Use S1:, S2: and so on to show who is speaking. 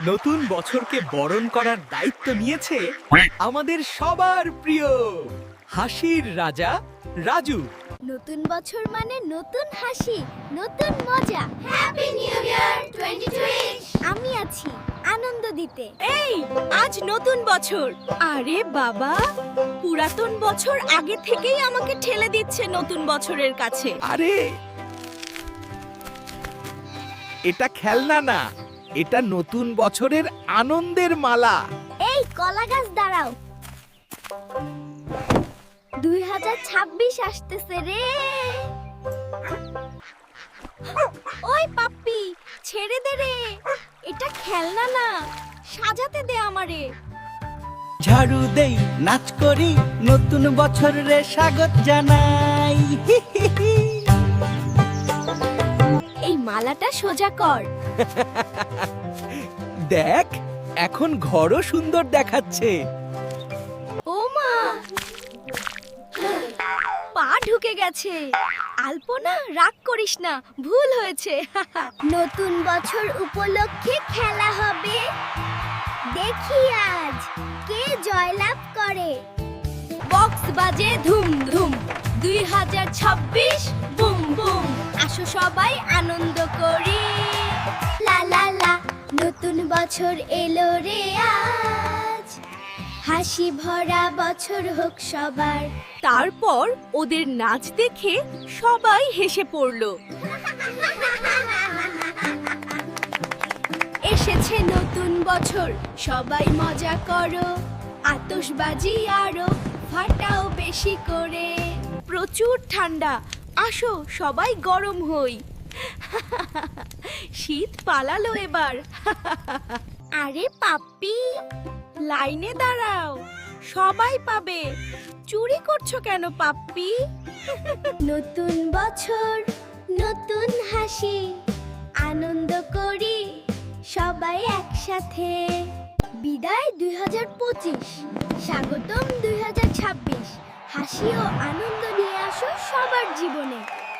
S1: নতুন বছরকে বরণ করার দায়িত্ব নিয়েছে আমাদের সবার প্রিয় হাসির রাজা রাজু।
S2: নতুন বছর মানে নতুন হাসি, নতুন মজা। Happy new year 2020। আমি আছি আনন্দ দিতে।
S3: এই আজ নতুন বছর। আরে বাবা, পুরাতন বছর আগে থেকেই আমাকে ঠেলে দিচ্ছে নতুন বছরের কাছে।
S1: আরে এটা খেলনা না, এটা নতুন বছরের আনন্দের মালা।
S2: এই কলা গাছ দাঁড়াও, 2026 আসতেছে রে।
S3: ওই পাপ্পি, ছেড়ে দে রে, এটা খেলনা না, সাজাতে দে আমারে।
S4: ঝাড়ু দেই, নাচ করি, নতুন বছর রে স্বাগত জানাই।
S3: এই মালাটা সোজা কর।
S1: দেখ, এখন ঘরও সুন্দর দেখাচ্ছে।
S3: ও মা, পা ঢুকে গেছে। আলপনা, রাগ করিস না, ভুল হয়েছে।
S2: নতুন বছর উপলক্ষে খেলা হবে, দেখি আজ কে জয়লাভ করে।
S3: বক্স বাজে ধুম ধুম, 2026 বুম বুম। আসো সবাই আনন্দ করি।
S2: লা লা লা, নতুন বছর এলো রে আজ, হাসি ভরা বছর হোক সবার।
S3: তারপর ওদের নাচ দেখে সবাই হেসে পড়ল। এসেছে নতুন বছর, সবাই মজা করো, আতশবাজি আরো ফাটাও বেশি করে। প্রচুর ঠান্ডা, আসো সবাই গরম হই। শীত পালালো এবার।
S2: আরে পাপ্পি,
S3: লাইনে দাঁড়াও, সবাই পাবে। চুরি করছো কেন পাপ্পি?
S2: নতুন বছর নতুন হাসি, আনন্দ করি সবাই একসাথে। বিদায় 2025, স্বাগতম 2026। হাসি ও আনন্দ নিয়ে আসো সবার জীবনে।